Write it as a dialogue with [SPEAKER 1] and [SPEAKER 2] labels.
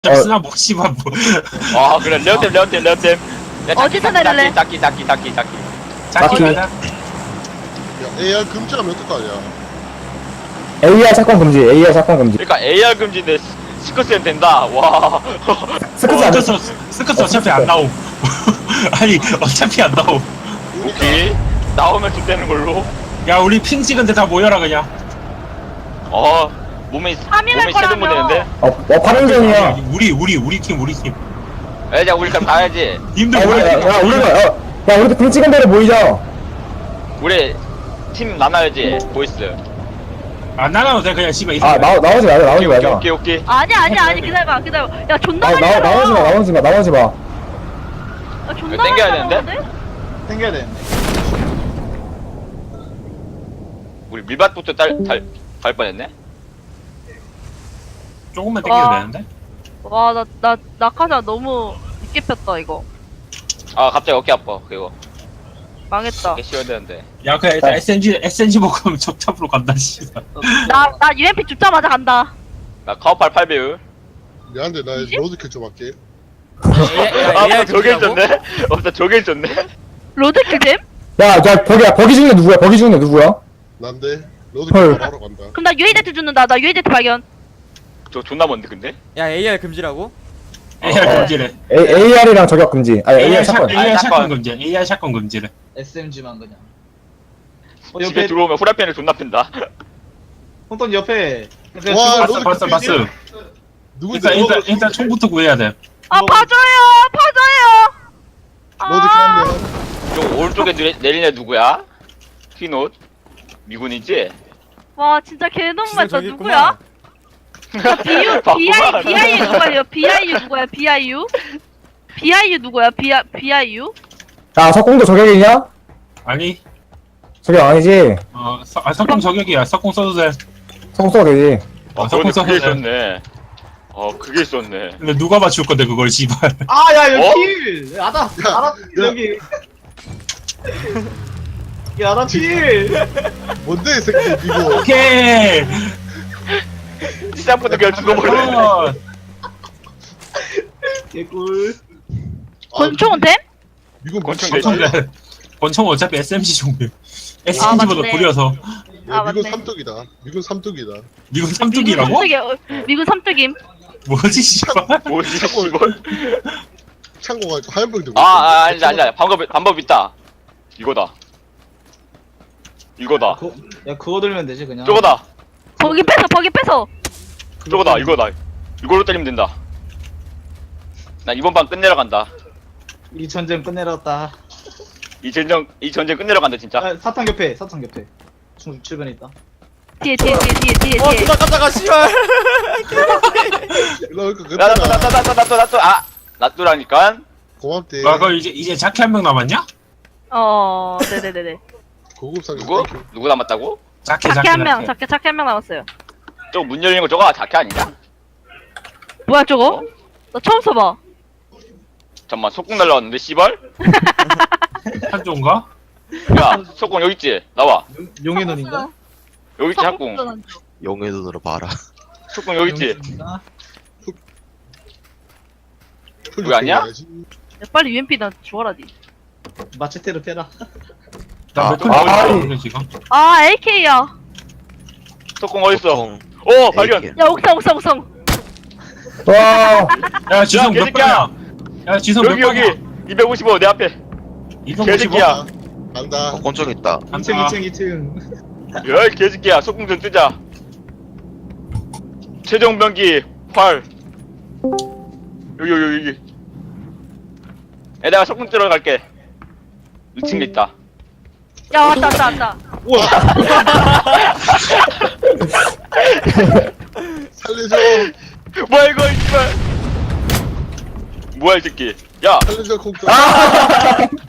[SPEAKER 1] 쓰나 뭐 씨발 뭐.
[SPEAKER 2] 아 그래 레어템. 야,
[SPEAKER 3] 어디서 내릴래?
[SPEAKER 2] 닦기.
[SPEAKER 1] 자기
[SPEAKER 4] 맞지?
[SPEAKER 1] 가자.
[SPEAKER 5] 야, AR 금지하면 어떡하냐?
[SPEAKER 4] AR 사건 금지, AR 사건 금지.
[SPEAKER 2] 그러니까 AR 금지인데 스커스는 된다. 와.
[SPEAKER 4] 스크스 안
[SPEAKER 1] 어쩔
[SPEAKER 4] 돼.
[SPEAKER 1] 수 없어. 스커스 어차피 안 나옴. 아니 어차피 안 나옴.
[SPEAKER 2] 오케이. 나오면 죽되는 걸로.
[SPEAKER 1] 야 우리 핑 찍은데 다 모여라 그냥.
[SPEAKER 2] 몸에
[SPEAKER 3] 파밍할
[SPEAKER 2] 쉐딩
[SPEAKER 3] 거라며.
[SPEAKER 2] 보내는데.
[SPEAKER 4] 파밍전이야.
[SPEAKER 1] 우리 팀.
[SPEAKER 2] 야 우리 그럼 가야지.
[SPEAKER 1] 님들
[SPEAKER 4] 야, 우리도 등 찍은 대로 모이자.
[SPEAKER 2] 우리 팀 나눠야지. 보이스.
[SPEAKER 1] 안 나가도 돼 그냥 씨발.
[SPEAKER 4] 나오지 마자.
[SPEAKER 2] 오케이.
[SPEAKER 3] 아니 기다려봐. 야 존나 많이
[SPEAKER 4] 나오지 마.
[SPEAKER 3] 야 존나 많이
[SPEAKER 2] 땡겨야
[SPEAKER 3] 날아오는데?
[SPEAKER 6] 땡겨야 되는데.
[SPEAKER 2] 우리 밀밭부터 갈 뻔했네.
[SPEAKER 1] 조금만 땡겨도
[SPEAKER 3] 와.
[SPEAKER 1] 되는데.
[SPEAKER 3] 와 나 낙하산 너무 늦게 폈다 이거.
[SPEAKER 2] 아 갑자기 어깨 아파. 그거
[SPEAKER 3] 망했다.
[SPEAKER 2] 어깨 씌워야 되는데.
[SPEAKER 1] 야 그냥 일단 SNG 먹으면 적탑으로 간다 씨발.
[SPEAKER 3] 나 UMP 죽자마자 간다.
[SPEAKER 2] 나 카우팔 8배율.
[SPEAKER 5] 미안한데 나 로드킬 좀 할게.
[SPEAKER 2] 아 저게 있었네. 나 저게 있었네.
[SPEAKER 3] 로드킬 잼?
[SPEAKER 4] 야, 버기 중에 누구야?
[SPEAKER 5] 난데
[SPEAKER 4] 헐.
[SPEAKER 5] 로드킬 바로 간다.
[SPEAKER 3] 그럼 나 UAZ 죽는다. 나 UAZ 발견.
[SPEAKER 2] 저 존나 먼데 근데.
[SPEAKER 6] 야 AR 금지라고?
[SPEAKER 1] AR 금지래.
[SPEAKER 4] AR이랑 저격 금지. 아니, AR 사건.
[SPEAKER 1] AR
[SPEAKER 2] 사건.
[SPEAKER 1] 샷건 금지. AR 샷건 금지래.
[SPEAKER 6] SMG만 그냥.
[SPEAKER 2] 집에
[SPEAKER 6] 옆에
[SPEAKER 2] 들어오면 후라이팬을 존나 팬다.
[SPEAKER 6] 홍돈 옆에.
[SPEAKER 5] 와,
[SPEAKER 1] 봤어.
[SPEAKER 5] 누구지?
[SPEAKER 1] 일단 총부터 구해야 돼.
[SPEAKER 3] 아
[SPEAKER 6] 뭐-
[SPEAKER 3] 봐줘요.
[SPEAKER 5] 로드킬
[SPEAKER 3] 아
[SPEAKER 5] 한대.
[SPEAKER 2] 저 오른쪽에 내린 애 누구야? 흰옷 미군이지?
[SPEAKER 3] 와 진짜 개놈
[SPEAKER 6] 진짜
[SPEAKER 3] 맞다.
[SPEAKER 6] 저기
[SPEAKER 3] 누구야? BIU 누구야? BIU 누구야? BIU 누구야? BIU?
[SPEAKER 4] 야, 석공도 저격이냐?
[SPEAKER 1] 아니
[SPEAKER 4] 저격 아니지?
[SPEAKER 1] 석공 저격이야. 석공 써도 돼.
[SPEAKER 4] 석공 써도 되지.
[SPEAKER 2] 그런데
[SPEAKER 1] 석공
[SPEAKER 2] 그게
[SPEAKER 1] 써도 돼.
[SPEAKER 2] 있었네. 그게 있었네.
[SPEAKER 1] 근데 누가 맞출 건데 그걸 씨발.
[SPEAKER 6] 아야 여기
[SPEAKER 2] 어?
[SPEAKER 6] 킬. 알아 여기. 야 나 킬.
[SPEAKER 5] 뭔데 이 새끼 이거.
[SPEAKER 1] 오케이.
[SPEAKER 2] 시작부터 그냥 죽어버리네.
[SPEAKER 6] 개꿀.
[SPEAKER 3] 권총은 됨?
[SPEAKER 5] 미국
[SPEAKER 2] 권총
[SPEAKER 5] 미친
[SPEAKER 2] 되지?
[SPEAKER 5] 거야.
[SPEAKER 1] 권총 어차피 SMG 종류. SMG보다
[SPEAKER 3] 맞네.
[SPEAKER 1] 구려서.
[SPEAKER 3] 아,
[SPEAKER 5] 미군
[SPEAKER 3] 맞네.
[SPEAKER 5] 삼뚝이다. 미군 삼뚝이다.
[SPEAKER 1] 미군 삼뚝이라고?
[SPEAKER 3] 미군 삼뚝임.
[SPEAKER 1] 뭐지 씨발?
[SPEAKER 2] 뭐지
[SPEAKER 5] 참고-
[SPEAKER 2] 이걸?
[SPEAKER 5] 창고가 하얀 병 들고.
[SPEAKER 2] 아니야. 방법 있다. 이거다.
[SPEAKER 6] 야 그거 들면 되지 그냥.
[SPEAKER 2] 저거다.
[SPEAKER 3] 버기 뺏어.
[SPEAKER 2] 저거다. 이거다. 이걸로 때리면 된다. 나 이번 판 끝내러 간다.
[SPEAKER 6] 이 전쟁 끝내렸다.
[SPEAKER 2] 이 전쟁 끝내러 간다 진짜.
[SPEAKER 6] 아, 사탕 옆에. 중국 주변에 있다.
[SPEAKER 3] 뒤에.
[SPEAKER 6] 누나 깜짝아 씨발.
[SPEAKER 5] 그러니까 그때나
[SPEAKER 2] 나또 놔두라니까.
[SPEAKER 5] 고맙대.
[SPEAKER 1] 그거 이제 자키 한 명 남았냐?
[SPEAKER 3] 네네네네.
[SPEAKER 5] 고급상
[SPEAKER 2] 누구 남았다고?
[SPEAKER 1] 자키
[SPEAKER 3] 자켓 한 명 남았어요.
[SPEAKER 2] 저거 문 열리는 거 저거 자켓 아니냐?
[SPEAKER 3] 뭐야 저거? 나 처음 써봐.
[SPEAKER 2] 잠깐만 속공 날라왔는데 씨발?
[SPEAKER 1] 한조인가?
[SPEAKER 2] 야 속공 여기 있지? 나와.
[SPEAKER 6] 용의 눈인가?
[SPEAKER 2] 여기 있지 학공.
[SPEAKER 7] 용의 눈으로 봐라.
[SPEAKER 2] 속공 여기 있지?
[SPEAKER 6] 용의 눈인가?
[SPEAKER 2] 그거 아니야?
[SPEAKER 3] 야, 빨리 UMP 나 주워라 니.
[SPEAKER 6] 마체테로 패라.
[SPEAKER 1] 나몇 분
[SPEAKER 4] 아,
[SPEAKER 1] 남았는데 지금?
[SPEAKER 3] 아 AK야.
[SPEAKER 2] 속공 어딨어?
[SPEAKER 7] 보통
[SPEAKER 2] 오 발견!
[SPEAKER 7] AK.
[SPEAKER 3] 야 옥상.
[SPEAKER 4] 와,
[SPEAKER 1] 야 지성 몇
[SPEAKER 2] 개새끼야!
[SPEAKER 1] 번이야? 야 지성 몇
[SPEAKER 2] 여기
[SPEAKER 1] 번이야?
[SPEAKER 2] 255 내 앞에. 개새끼야.
[SPEAKER 5] 간다.
[SPEAKER 7] 권총 있다.
[SPEAKER 6] 2층.
[SPEAKER 2] 야 이 개새끼야 속공 좀 뜨자. 최종 병기 활. 여기. 내가 속공 뜨러 갈게. 2층에 있다.
[SPEAKER 3] 야 왔다.
[SPEAKER 6] 우와.
[SPEAKER 5] 살려줘.
[SPEAKER 2] 뭐야 이거 이발. 뭐야 이 새끼. 야
[SPEAKER 5] 살려줘 콩떡.